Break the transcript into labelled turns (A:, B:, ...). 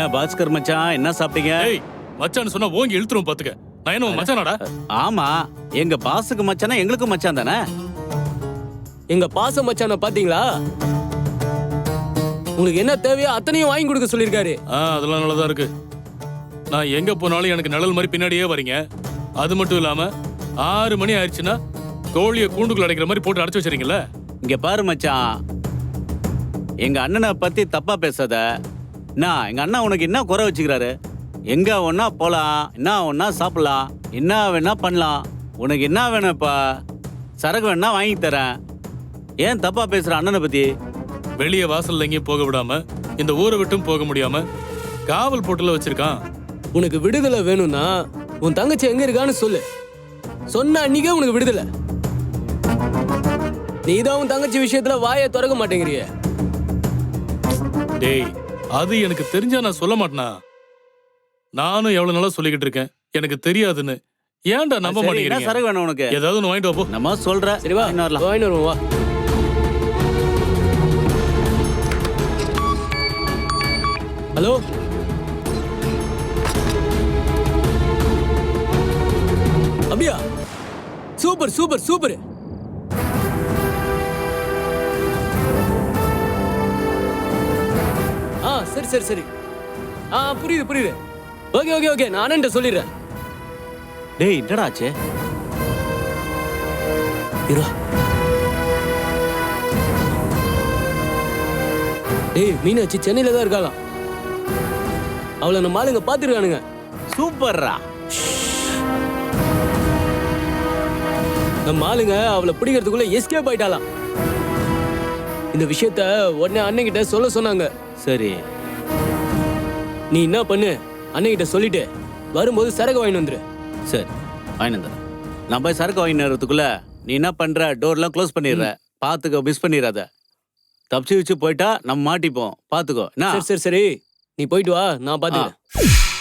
A: பாஸ்கர் மச்சான், என்ன சாப்பிட்டீங்க?
B: ஏய் மச்சான்னு சொன்னா ஓங்கி இழுத்துரும் பாத்துக்க. நான் என்ன உன் மச்சானாடா?
A: ஆமா, எங்க பாஸுக்கு மச்சானா எங்களுக்கும் மச்சான் தானே.
C: எங்க பாச மச்சான பாத்தீங்களா? உங்களுக்கு என்ன தேவையோ அத்தனையும் வாங்கி கொடுக்க சொல்லிருக்காரு.
B: அதெல்லாம் நல்லதா இருக்கு. நான் எங்க போனாலும் எனக்கு நிழல் மாதிரி பின்னாடியே வரீங்க. அது மட்டும் இல்லாம 6 மணி ஆயிடுச்சுன்னா கோழியை கூண்டுக்குள்ள அடைக்கிற மாதிரி போட்டு அடைச்சு வச்சிருக்கீங்களா?
A: இங்க பாரு மச்சான், எங்க அண்ணனை பத்தி தப்பா பேசாத. நான் எங்க அண்ணா உனக்கு என்ன குறை வச்சுக்கிறாரு? எங்க ஒன்னா போலாம், என்ன ஒன்னா சாப்பிடலாம், என்ன வேணா பண்ணலாம். உனக்கு என்ன வேணும்ப்பா? சரக்கு வேணா வாங்கி தரேன். ஏன் தப்பா பேசுற அண்ணனை பத்தி?
B: வெளியே வாசல்ல எங்கேயும் போக விடாம, இந்த ஊரை விட்டும் போக முடியாம காவல் போட்டுல வச்சிருக்கான்.
C: உனக்கு விடுதலை வேணும்னா உன் தங்கச்சி எங்க இருக்கான்னு சொல்லு. சொன்ன அன்னைக்கே உனக்கு விடுதலை. நீதான் உன் தங்கச்சி விஷயத்துல வாயை திறக்க மாட்டேங்கிறிய.
B: டேய், அது எனக்கு தெரிஞ்சா நான் சொல்ல மாட்டேனா? நானும் எவ்வளவு நாளா சொல்லிக்கிட்டு இருக்கேன் எனக்கு தெரியாதுன்னு. ஏன்டா நம்ப
A: சரி, என்ன
B: மாட்டேங்கிறீங்க?
A: சரக்கு வேணும் உனக்கு?
B: ஏதாவது ஒன்று வாங்கிட்டு வா போ.
A: நம்ம சொல்ற.
C: சரி வா, வாங்கிட்டு வருவோம் வா. ஹலோ, அப்படியா? Super super super. சரி சரி சரி. புரியுது புரியுது. ஓகே ஓகே ஓகே, நான் அண்ணன்ட்ட சொல்லிடுறேன்.
A: டேய், என்னடா ஆச்சு?
C: டேய், மீனாட்சி சென்னையில தான் இருக்காளாம். அவளை நம்ம ஆளுங்க பாத்துருக்கானுங்க.
A: சூப்பர்ரா.
C: நம்ம ஆளுங்க அவளை பிடிக்கிறதுக்குள்ள எஸ்கேப் ஆயிட்டாலாம். இந்த விஷயத்த உடனே அண்ணன்கிட்ட சொல்ல சொன்னாங்க.
A: சரி,
C: நீ என்ன பண்ணு, அண்ணன்கிட்ட சொல்லிட்டு வரும்போது சரக்கு வாங்கிட்டு வந்துரு.
A: சரி வாங்கிட்டு வந்துடுறேன். நான் போய் சரக்கு வாங்கிட்டு வரதுக்குள்ள நீ என்ன பண்ற? டோர்லாம் க்ளோஸ் பண்ணிடுற. பாத்துக்கோ, மிஸ் பண்ணிடாத. தப்பிச்சு வச்சு போயிட்டா நம்ம மாட்டிப்போம். பாத்துக்கோ.
C: சரி சரி சரி, நீ போயிட்டு வா, நான் பாத்துக்கிறேன்.